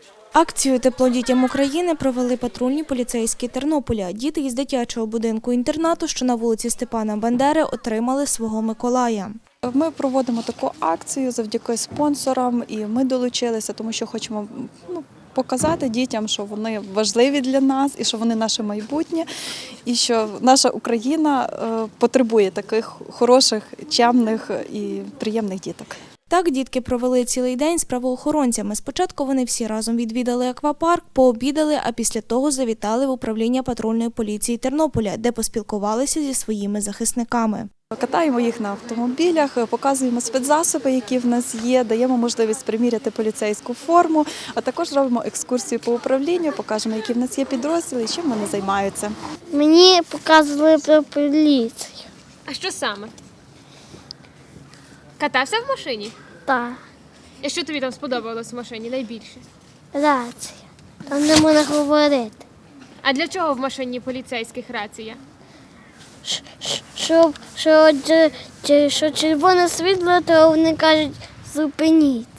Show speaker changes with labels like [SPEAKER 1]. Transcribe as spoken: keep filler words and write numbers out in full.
[SPEAKER 1] Акцію «Тепло дітям України» провели патрульні поліцейські Тернополя. Діти із дитячого будинку-інтернату, що на вулиці Степана Бандери, отримали свого Миколая.
[SPEAKER 2] Ми проводимо таку акцію завдяки спонсорам, і ми долучилися, тому що хочемо ну, показати дітям, що вони важливі для нас, і що вони наше майбутнє, і що наша Україна потребує таких хороших, чемних і приємних діток.
[SPEAKER 1] Так дітки провели цілий день з правоохоронцями. Спочатку вони всі разом відвідали аквапарк, пообідали, а після того завітали в управління патрульної поліції Тернополя, де поспілкувалися зі своїми захисниками.
[SPEAKER 2] Катаємо їх на автомобілях, показуємо спецзасоби, які в нас є, даємо можливість приміряти поліцейську форму, а також робимо екскурсію по управлінню, покажемо, які в нас є підрозділи і чим вони займаються.
[SPEAKER 3] Мені показували про поліцію.
[SPEAKER 4] А що саме? Катався в машині?
[SPEAKER 3] Так,
[SPEAKER 4] І що тобі там сподобалось в машині найбільше?
[SPEAKER 3] рація. Там не можна говорити.
[SPEAKER 4] А для чого в машині поліцейських рація?
[SPEAKER 3] Щ- щ- Щоб що, дже- дже- що червоне світло, то вони кажуть, зупиніть.